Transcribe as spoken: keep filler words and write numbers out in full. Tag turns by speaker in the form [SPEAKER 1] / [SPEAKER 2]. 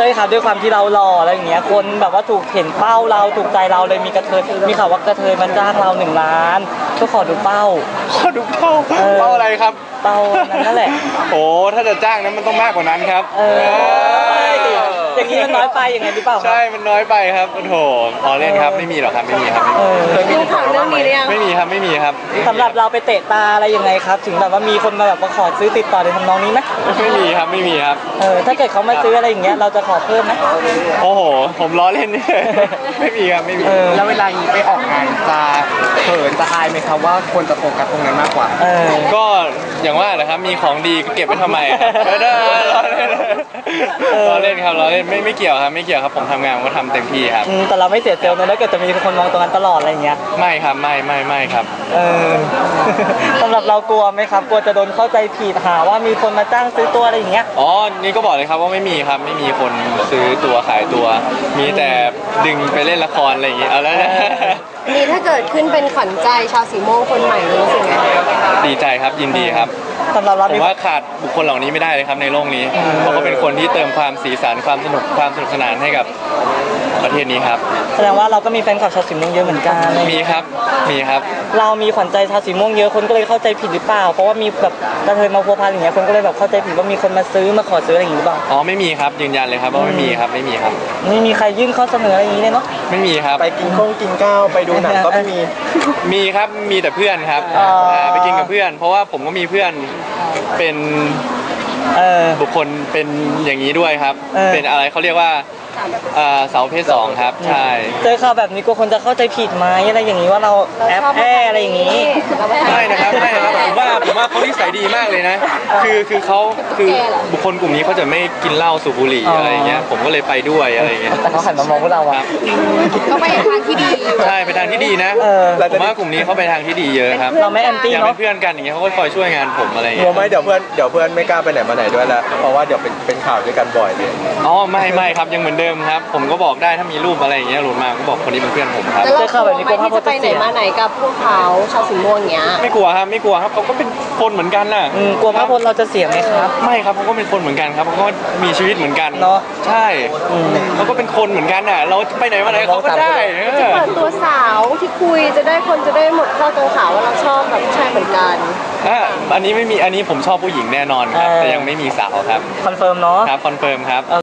[SPEAKER 1] ช่ครับด้วยความที่เราหล่ออะไรอย่างเงี้ยคนแบบว่าถูกเห็นเป้าเราถูกใจเราเลยมีกระเทยมีข่าวว่ากระเทยมาจ้างเราหนึ่งล้านก็ขอดูเป้า
[SPEAKER 2] ขอดูเป้าเป้าอะไรครับ
[SPEAKER 1] เป้านั่นแหละ
[SPEAKER 2] โอ้ถ้าจะจ้างนั้นมันต้องมากกว่านั้นครับ
[SPEAKER 1] เอออย่างนี้มันน้อยไปอย่างไงหรือเปล่า
[SPEAKER 2] ใช่มันน้อยไปครับโอ้โหพอเล่นครับไม่มีหรอกครับไม่มีครับ
[SPEAKER 3] รู้ข่าวเรื่องนี้หรือยัง
[SPEAKER 2] ไม่มีครับไม่มีครับ
[SPEAKER 1] สำหรับเราไปเตะตาอะไรยังไงครับถึงแบบว่ามีคนมาแบบมาขอซื้อติดต่อในทำนองนี้ไหม
[SPEAKER 2] ไม่มีครับไม่มีครับ
[SPEAKER 1] เออถ้าเกิดเขามาซื้ออะไรอย่างเงี้ยเราจะขอเพิ่มไหม
[SPEAKER 2] โอ้โหผมล้อเล่นไม่มีครับไม่มี
[SPEAKER 4] แล้วเวลาไปออกงานจะเขินจะอายไหมครับว่าคนจะโฟกัสตรงนั้นมากกว่า
[SPEAKER 2] ก็อย่างว่าแหละครับมีของดีก็เก็บไว้ทำไมล้อเล่นล้อเล่นครับล้อเล่นไม่ไม่เกี่ยวครับไม่เกี่ยวครับผมทำงานผมก็ทำเต็มที่ครับ
[SPEAKER 1] แต่เราไม่เสียเซลล์นะถ้าเกิดจะมีคนมองตรงนั้นตลอดอะไรอย่างเงี้ย
[SPEAKER 2] ไม่ครับไม่ไม่ไม่ครับ
[SPEAKER 1] เออสำหรับเรากลัวไหมครับกลัวจะโดนเข้าใจผิดหาว่ามีคนมาจ้างซื้อตัวอะไรอย่างเงี้ย
[SPEAKER 2] อ๋อนี่ก็บอกเลยครับว่าไม่มีครับไม่มีคนซื้อตัวขายตัวมีแต่ดึงไปเล่นละครอะไรอย่างเงี้ยเอาแล้ว
[SPEAKER 3] นี่ถ้าเกิดขึ้นเป็นขวัญใจชาวสีม่วงคนใหม่รู้สึกไง
[SPEAKER 2] ดีใจครับยินดีครับ
[SPEAKER 1] สำหรับเรา
[SPEAKER 2] ผมว่าขาดบุคคลเหล่านี้ไม่ได้เลยครับในโลกนี้เพราะเขาเป็นคนที่เติมความสีสันความสนุกความสนุกสนานให้กับประเทศนี้ครับ
[SPEAKER 1] แสดงว่าเราก็มีแฟนคลับชาวสีม่วงเยอะเหมือนกัน
[SPEAKER 2] มีครับมีครับ
[SPEAKER 1] เรามีขวัญใจชาวสีม่วงเยอะคนก็เลยเข้าใจผิดหรือเปล่าเพราะว่ามีแบบกระเทยมาพัวพันอย่างเงี้ยคนก็เลยแบบเข้าใจผิดว่ามีคนมาซื้อมาขอซื้ออะไรอย่างงี้หรือเปล่า
[SPEAKER 2] อ๋อไม่มีครับยืนยันเลยครับว่าไม่มีครับไม่มีครับ
[SPEAKER 1] ไม่มีใครยื่นข้อเสนออะไรอย่างงี้เลยเนาะ
[SPEAKER 2] ไม่มีครับ
[SPEAKER 4] ไปกินข้าวกินข้าวไปดูหนังก็ไม่มี
[SPEAKER 2] มีครับมีแต่เพื่อนครับไปกินกับเพื่อนเพราะว่าผมก็มีเพื่อนเป็นบุคคลเป็นอย่างนี้ด้วยครับเป็นอะไรเขาเรียกว่าเสาเพศสองครับใช่
[SPEAKER 1] เจอข่าวแบบนี้กลัวคนจะเข้าใจผิดไหมอะไรอย่างนี้ว่าเราแอบแอบอะไรอย่างนี้
[SPEAKER 2] ไม่นะครับไม่ครับผมว่าผมว่าเขานิสัยดีมากเลยนะคือคือเขาคือบุคคลกลุ่มนี้เขาจะไม่กินเหล้าสูบบุหรี่อะไรอย่างเงี้ยผมก็เลยไปด้วยอะไรอย่างเงี้ย
[SPEAKER 1] แต่เขาหันมามองพวกเราครับ
[SPEAKER 3] เขาไปทางที่ดี
[SPEAKER 2] ใช่ไปทางที่ดีนะผมว่ากลุ่มนี้เขาไปทางที่ดีเยอะครับ
[SPEAKER 1] เราไม่แอนตี้
[SPEAKER 2] เนาะเป็นเพื่อนกันอย่างเงี้ยเขาก็คอยช่วยงานผมอะไรอย่าง
[SPEAKER 4] เงี้ยไม่เดี๋ยวเพื่อนเดี๋ยวเพื่อนไม่กล้าไปไหนมาไหนด้วยแล้วเพราะว่าเดี๋ยวเป็นเป็นข่าวด้วยกันบ่อยเลย
[SPEAKER 2] อ๋อไม่ไม่ครับยังเหมือนเดิมครับผมก็บอกได้ถ้ามีรูปอะไรอย่างเงี้ยหลุดมาก็บอกคนนี้เป็นเพื่อนผมครับ
[SPEAKER 3] แล้วเราแบบนี้กลัวที่จะไปไหนมาไหนกับพวกเขาชาวสีม่วงเงี้ย
[SPEAKER 2] ไม่กลัวครับไม่กลัวครับเขาก็เป็นคนเหมือนกันน่ะ
[SPEAKER 1] กลัวพระพลเราจะเสียไหมครับ
[SPEAKER 2] ไม่ครับเขาก็เป็นคนเหมือนกันครับเขาก็มีชีวิตเหมือนกัน
[SPEAKER 1] เนาะ
[SPEAKER 2] ใช่เขาก็เป็นคนเหมือนกันน่ะเราไปไหนมาไหนเขาก็ได้
[SPEAKER 3] จะเปิดตัวสาวที่คุยจะได้คนจะได้หมดข้อกังขาว่าเราชอบแบบชายเหมือนกัน
[SPEAKER 2] อ่ะอันนี้ไม่มีอันนี้ผมชอบผู้หญิงแน่นอนครับแต่ยังไม่มีสาวครับ
[SPEAKER 1] คอนเฟิร์มเนาะ
[SPEAKER 2] ครับคอนเฟิร์มครับ